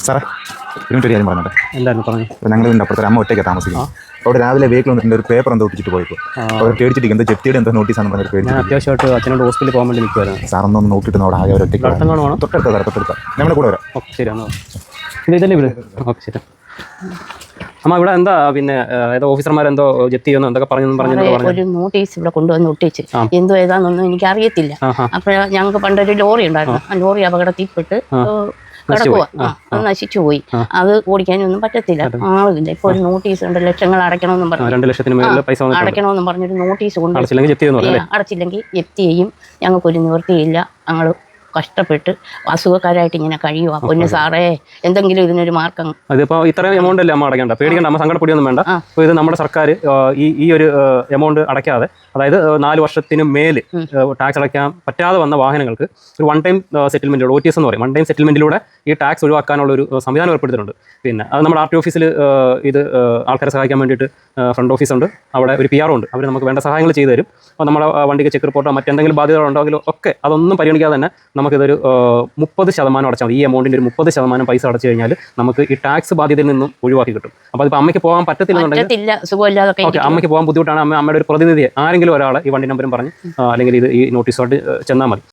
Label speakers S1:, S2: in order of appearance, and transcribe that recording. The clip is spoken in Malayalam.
S1: സാറേ ഒരു കാര്യം പറഞ്ഞോട്ടെ.
S2: എന്തായിരുന്നു പറഞ്ഞു?
S1: ഞങ്ങൾ ഇതിൻ്റെ അപ്പുറത്ത് അമ്മ ഒറ്റയ്ക്ക് താമസിക്കുന്നത്. അവിടെ രാവിലെ വെഹിക്കിൾ വന്നിട്ടുണ്ട്, ഒരു പേപ്പർ എന്തോ ഒട്ടിച്ചിട്ട് പോയപ്പോൾ അവർ പേടിച്ചിട്ട് എന്തോ ജപ്തിയുടെ എന്തോ നോട്ടീസാണ് പറഞ്ഞിട്ട് പേടിച്ചു.
S2: അത്യാവശ്യമായിട്ട് അച്ഛനോട് ഹോസ്പിറ്റലിൽ പോകാൻ വേണ്ടി നിൽക്കുമായിരുന്നു.
S1: സാറൊന്നും നോക്കിയിട്ട് അവിടെ ആകെ ഒരു ഒറ്റയ്ക്ക് തൊട്ടടുത്ത സാറേ തൊട്ടടുത്ത ഞങ്ങളുടെ കൂടെ വരാം.
S2: ഓക്കെ ശരിയാണോ? ഇതല്ലേ ഇവിടെ? ഓക്കെ ശരി. അമ്മ ഇവിടെ എന്താ പിന്നെ ഏതോ ഓഫീസർമാരെന്തോ ജപ്തി ചെയ്യുന്നു എന്തൊക്കെ പറഞ്ഞു?
S3: ഒരു നോട്ടീസ് ഇവിടെ കൊണ്ടുവന്ന് ഒട്ടിച്ച് എന്തോ ഏതാണെന്നൊന്നും എനിക്ക് അറിയത്തില്ല. അപ്പോൾ ഞങ്ങൾക്ക് പണ്ടൊരു ലോറി ഉണ്ടായിരുന്നു, ആ ലോറി അപകടത്തിൽപ്പെട്ട് കിടക്കുക, അത് നശിച്ചു പോയി. അത് ഓടിക്കാനൊന്നും പറ്റത്തില്ല, ആളില്ല. ഇപ്പൊ ഒരു നോട്ടീസ് ഉണ്ട്, ലക്ഷങ്ങൾ അടയ്ക്കണമെന്നും പറഞ്ഞു,
S2: 2 ലക്ഷത്തിന് പൈസ
S3: അടയ്ക്കണമെന്നും പറഞ്ഞൊരു നോട്ടീസ് കൊണ്ട്
S2: അടച്ചില്ലെങ്കിൽ
S3: ജപ്തി ചെയ്യും. ഞങ്ങൾക്കൊരു നിവൃത്തിയില്ല, ഞങ്ങൾ കഷ്ടപ്പെട്ട് അസുഖക്കാരായിട്ട് ഇങ്ങനെ കഴിയുക. പൊന്നു സാറേ, എന്തെങ്കിലും ഇതിനൊരു മാർക്കം.
S2: അതിപ്പോൾ ഇത്രയും എമൗണ്ട് അല്ലേ അമ്മ അടയ്ക്കേണ്ട? പേടിക്കേണ്ട, അമ്മ സങ്കടപ്പൊടിയൊന്നും വേണ്ട. അപ്പോൾ ഇത് നമ്മുടെ സർക്കാർ ഈ ഒരു എമൗണ്ട് അടയ്ക്കാതെ, അതായത് 4 വർഷത്തിന് മേൽ ടാക്സ് അടയ്ക്കാൻ പറ്റാതെ വന്ന വാഹനങ്ങൾക്ക് ഒരു വൺ ടൈം സെറ്റിൽമെൻറ്റിലൂടെ, OTS എന്ന് പറയും, വൺ ടൈം സെറ്റിൽമെൻറ്റിലൂടെ ഈ ടാക്സ് ഒഴിവാക്കാനുള്ള ഒരു സംവിധാനം ഏർപ്പെടുത്തിയിട്ടുണ്ട്. പിന്നെ അത് നമ്മുടെ RT ഓഫീസിൽ ഇത് ആൾക്കാരെ സഹായിക്കാൻ വേണ്ടിയിട്ട് ഫ്രണ്ട് ഓഫീസുണ്ട്, അവിടെ ഒരു PR ഉണ്ട്, അവർ നമുക്ക് വേണ്ട സഹായങ്ങൾ ചെയ്തു തരും. അപ്പോൾ നമ്മുടെ വണ്ടിക്ക് ചെക്ക് റിപ്പോർട്ടോ മറ്റെന്തെങ്കിലും ബാധ്യതകളുണ്ടെങ്കിലോ ഒക്കെ അതൊന്നും പരിഗണിക്കാതെ തന്നെ നമുക്കിതൊരു 30% അടച്ചാൽ മതി. ഈ എമൗണ്ടിൻ്റെ ഒരു 30% പൈസ അടച്ചു കഴിഞ്ഞാൽ നമുക്ക് ഈ ടാക്സ് ബാധ്യതയിൽ നിന്നും ഒഴിവാക്കി കിട്ടും. അപ്പോൾ അതിപ്പോൾ അമ്മയ്ക്ക് പോകാൻ പറ്റത്തില്ലെന്നുണ്ടെങ്കിൽ, ഓക്കെ, അമ്മയ്ക്ക് പോകാൻ ബുദ്ധിമുട്ടാണ്, അമ്മയുടെ ഒരു പ്രതിനിധിയെ ആരെങ്കിലും ഒരാളെ ഈ വണ്ടി നമ്പറും പറഞ്ഞ് അല്ലെങ്കിൽ ഈ നോട്ടീസുമായിട്ട് ചെന്നാൽ മതി.